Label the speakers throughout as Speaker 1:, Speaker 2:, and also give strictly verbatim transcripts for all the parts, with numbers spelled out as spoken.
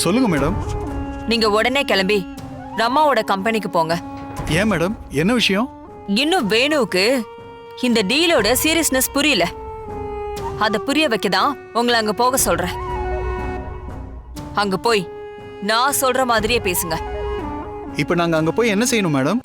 Speaker 1: சொல்லுங்க மேடம்.
Speaker 2: நீங்க உடனே கிளம்பி ரம்மாவோட கம்பெனிக்கு போங்க.
Speaker 1: ஏன் மேடம், என்ன விஷயம்?
Speaker 2: இன்னும் வேணுவுக்கு இந்த டீலோட சீரியஸ்னஸ் புரியல. அத புரிய வைக்கதான் உங்களை அங்க போக சொல்றேன். அங்க போய் நான் சொல்ற மாதிரியே பேசுங்க.
Speaker 1: இப்ப நாங்க அங்க போய் என்ன செய்யணும் மேடம்?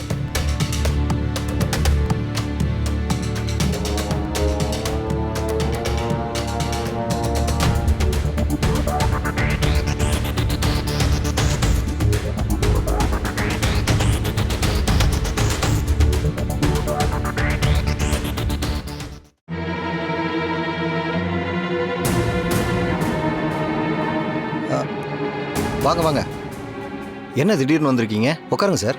Speaker 3: வாங்க வாங்க. என்ன திடீர்னு வந்திருக்கீங்க? உட்காருங்க சார்.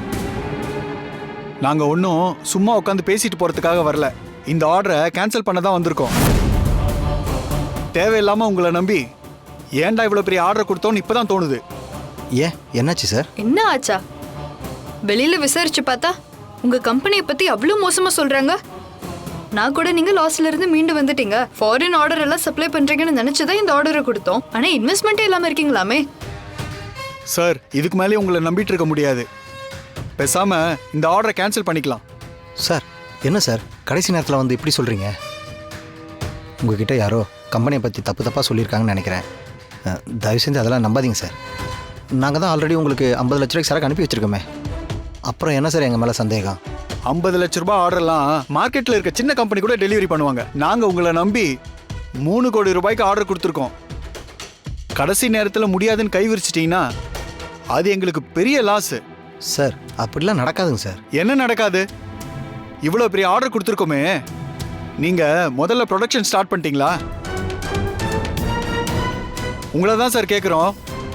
Speaker 1: நாங்க ஒன்றும் சும்மா உட்காந்து பேசிட்டு போறதுக்காக வரல. இந்த ஆர்டரை கேன்சல் பண்ண தான் வந்திருக்கோம். தேவையில்லாம உங்களை நம்பி ஏன்டா இவ்வளவு பெரிய ஆர்டர் கொடுத்தோன்னு இப்பதான் தோணுது.
Speaker 3: ஏன், என்னாச்சு சார்?
Speaker 4: என்ன ஆச்சா? வெளியில விசாரிச்சு பார்த்தா உங்க கம்பெனியை பத்தி அவ்வளவு மோசமா சொல்றாங்க. நான் கூட நீங்க லாஸ்ல இருந்து மீண்டு வந்துட்டீங்க, ஃபாரின் ஆர்டர் எல்லாம் சப்ளை பண்றீங்கன்னு நினைச்சுதான் இந்த ஆர்டரை கொடுத்தோம். ஆனா இன்வெஸ்ட்மெண்ட்டே இல்லாம இருக்கீங்களாமே.
Speaker 1: சார், இதுக்கு மேலே உங்களை நம்பிட்டு இருக்க முடியாது. பேசாம இந்த ஆர்டரை கேன்சல் பண்ணிக்கலாம்.
Speaker 3: சார், என்ன சார் கடைசி நேரத்தில் வந்து இப்படி சொல்கிறீங்க? உங்ககிட்ட யாரோ கம்பெனியை பற்றி தப்பு தப்பாக சொல்லியிருக்காங்கன்னு நினைக்கிறேன். தயவு செஞ்சு அதெல்லாம் நம்பாதீங்க சார். நாங்கள் தான் ஆல்ரெடி உங்களுக்கு ஐம்பது லட்ச ரூபாய்க்கு சரக்கு அனுப்பி வச்சுருக்கோமே. அப்புறம் என்ன சார் எங்கள் மேலே சந்தேகம்?
Speaker 1: ஐம்பது லட்ச ரூபாய் ஆர்டர்லாம் மார்க்கெட்டில் இருக்க சின்ன கம்பெனி கூட டெலிவரி பண்ணுவாங்க. நாங்கள் உங்களை நம்பி மூணு கோடி ரூபாய்க்கு ஆர்டர் கொடுத்துருக்கோம். கடைசி நேரத்தில் முடியாதுன்னு கை விரிச்சிட்டிங்கன்னா அது எங்களுக்கு பெரிய லாஸ்.
Speaker 3: சார், அப்படிலாம் நடக்காதுங்க சார்.
Speaker 1: என்ன நடக்காது? இவ்வளோ பெரிய ஆர்டர் கொடுத்துருக்கோமே, நீங்கள் முதல்ல ப்ரொடக்ஷன் ஸ்டார்ட் பண்ணிட்டீங்களா? உங்களை தான் சார் கேட்குறோம்.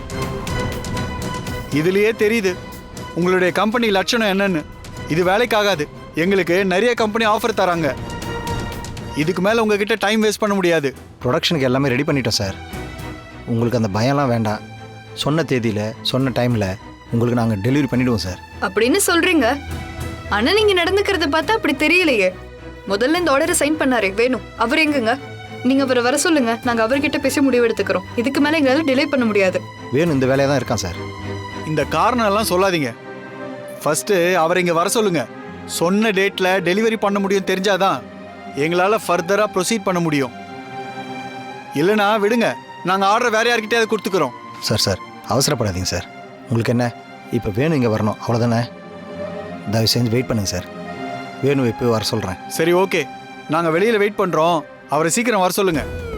Speaker 1: இதுலேயே தெரியுது உங்களுடைய கம்பெனி லட்சணம் என்னன்னு. இது வேலைக்காகாது. எங்களுக்கு நிறைய கம்பெனி ஆஃபர் தராங்க. இதுக்கு மேலே உங்ககிட்ட டைம் வேஸ்ட் பண்ண முடியாது.
Speaker 3: ப்ரொடக்ஷனுக்கு எல்லாமே ரெடி பண்ணிட்டோம் சார். உங்களுக்கு அந்த பயம்லாம் வேண்டாம். சொன்ன தேதியில் சொன்ன டைமில் உங்களுக்கு நாங்கள் டெலிவரி பண்ணிவிடுவோம் சார்.
Speaker 4: அப்படின்னு சொல்றீங்க, ஆனா நீங்க நடந்துக்கிறத பார்த்தா அப்படி தெரியலையே. முதல்ல இந்த ஆர்டரை சைன் பண்ணாரே வேணும், அவர் எங்குங்க? நீங்க அவரை வர சொல்லுங்க, நாங்க அவர்கிட்ட பேசி முடிவு எடுத்துக்கிறோம். இதுக்கு மேல எங்களால டிலே பண்ண முடியாது.
Speaker 3: வேணும் இந்த வேலையாக தான் இருக்கான் சார்.
Speaker 1: இந்த காரணம் எல்லாம் சொல்லாதீங்க. ஃபர்ஸ்ட்டு அவரை இங்கே வர சொல்லுங்க. சொன்ன டேட்டில் டெலிவரி பண்ண முடியும் தெரிஞ்சாதான் எங்களால் ஃபர்தராக ப்ரொசீட் பண்ண முடியும். இல்லைனா விடுங்க, நாங்கள் ஆர்டர் வேற யார்கிட்டயாவது கொடுத்துக்கிறோம்.
Speaker 3: சார் சார் அவசரப்படாதீங்க சார். உங்களுக்கு என்ன, இப்போ வேணும் இங்கே வரணும் அவ்வளோதானே? தயவு செஞ்சு வெயிட் பண்ணுங்க சார். வேணும் இப்போ வர சொல்கிறேன்.
Speaker 1: சரி, ஓகே. நாங்கள் வெளியில் வெயிட் பண்ணுறோம். அவரை சீக்கிரம் வர சொல்லுங்கள்.